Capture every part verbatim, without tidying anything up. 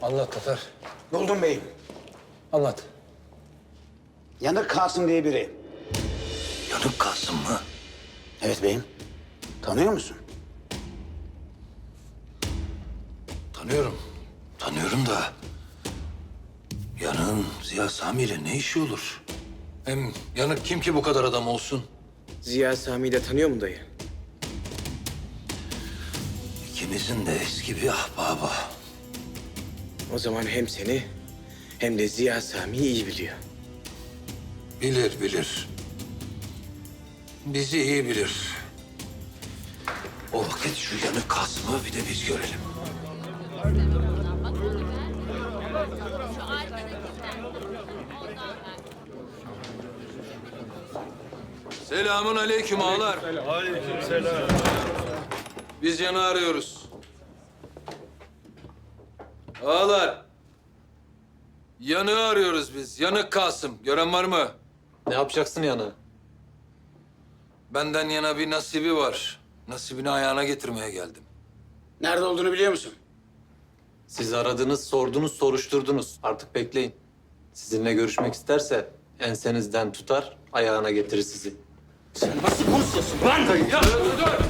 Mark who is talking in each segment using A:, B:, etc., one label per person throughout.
A: Anlat Tatar.
B: Buldum beyim.
A: Anlat.
B: Yanık Kasım diye biri.
A: Yanık Kasım mı?
B: Evet beyim. Tanıyor musun?
A: Tanıyorum. Tanıyorum da... Yanığın Ziya Sami ile ne işi olur? Hem Yanık kim ki bu kadar adam olsun?
C: Ziya Sami'yi de tanıyor mu dayı?
A: İkimizin de eski bir ahbabı.
C: O zaman hem seni hem de Ziya Sami'yi iyi biliyor.
A: Bilir, bilir. Bizi iyi bilir. O vakit şu Yanık Kasım'ı bir de biz görelim. Selamun aleyküm ağalar.
D: Aleykümselam.
A: Biz Yanık'ı arıyoruz. Ağalar. Yanık'ı arıyoruz biz. Yanık Kasım. Gören var mı?
E: Ne yapacaksın Yanık'ı?
A: Benden yana bir nasibi var. Nasibini ayağına getirmeye geldim.
B: Nerede olduğunu biliyor musun?
E: Siz aradınız, sordunuz, soruşturdunuz. Artık bekleyin. Sizinle görüşmek isterse ensenizden tutar, ayağına getirir sizi.
B: Sen nasıl konuşuyorsun lan?
A: Ya dur, dur.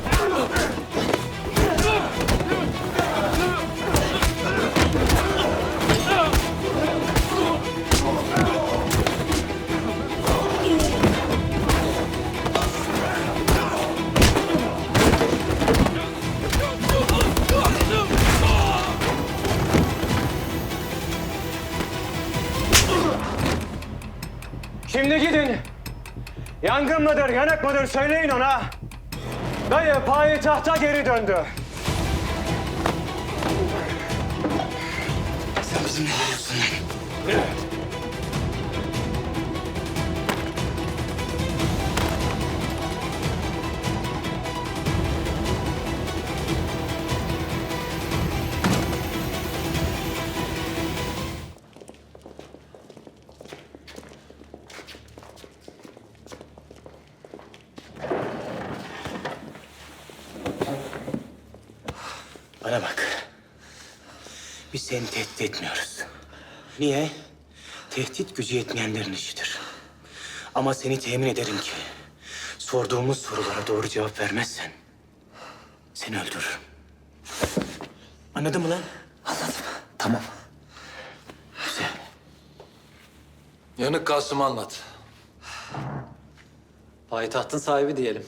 F: Şimdi gidin. Yangın mıdır, yanık mıdır söyleyin ona. Dayı payitahta geri döndü.
B: Sen bizimle geliyorsun lan.
C: Bana bak. Biz seni tehdit etmiyoruz. Niye? Tehdit gücü yetmeyenlerin işidir. Ama seni temin ederim ki... sorduğumuz sorulara doğru cevap vermezsen... seni öldürürüm. Anladın mı lan?
E: Anladım. Tamam.
C: Güzel.
A: Yanık Kasım'ı anlat.
E: Payitahtın sahibi diyelim.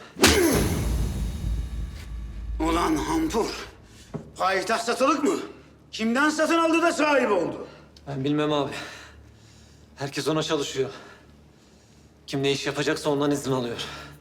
B: Ulan hampur. Payitaht satılık mı? Kimden satın aldı da sahibi oldu?
E: Ben bilmem abi. Herkes ona çalışıyor. Kim ne iş yapacaksa ondan izin alıyor.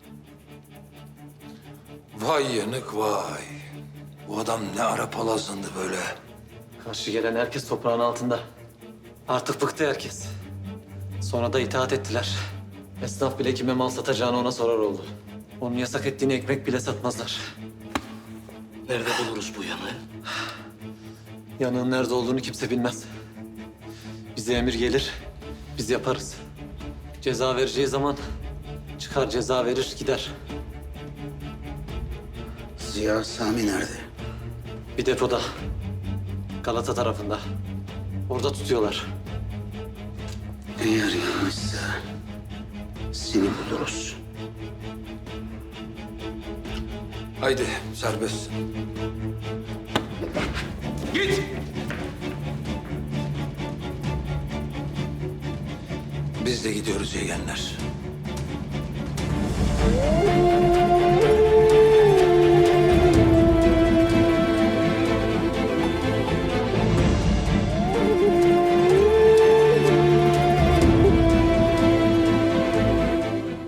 A: Vay Yanık vay. Bu adam ne ara palazlandı böyle.
E: Karşı gelen herkes toprağın altında. Artık bıktı herkes. Sonra da itaat ettiler. Esnaf bile kime mal satacağını ona sorar oldu. Onun yasak ettiğini ekmek bile satmazlar.
C: Nerede buluruz bu yanığı?
E: Yanığın nerede olduğunu kimse bilmez. Bize emir gelir, biz yaparız. Ceza vereceği zaman çıkar ceza verir gider.
B: Ziya Sami nerede?
E: Bir depoda. Galata tarafında. Orada tutuyorlar.
B: Eğer yanlışsa seni buluruz.
A: Haydi serbest. Git! Biz de gidiyoruz yeğenler.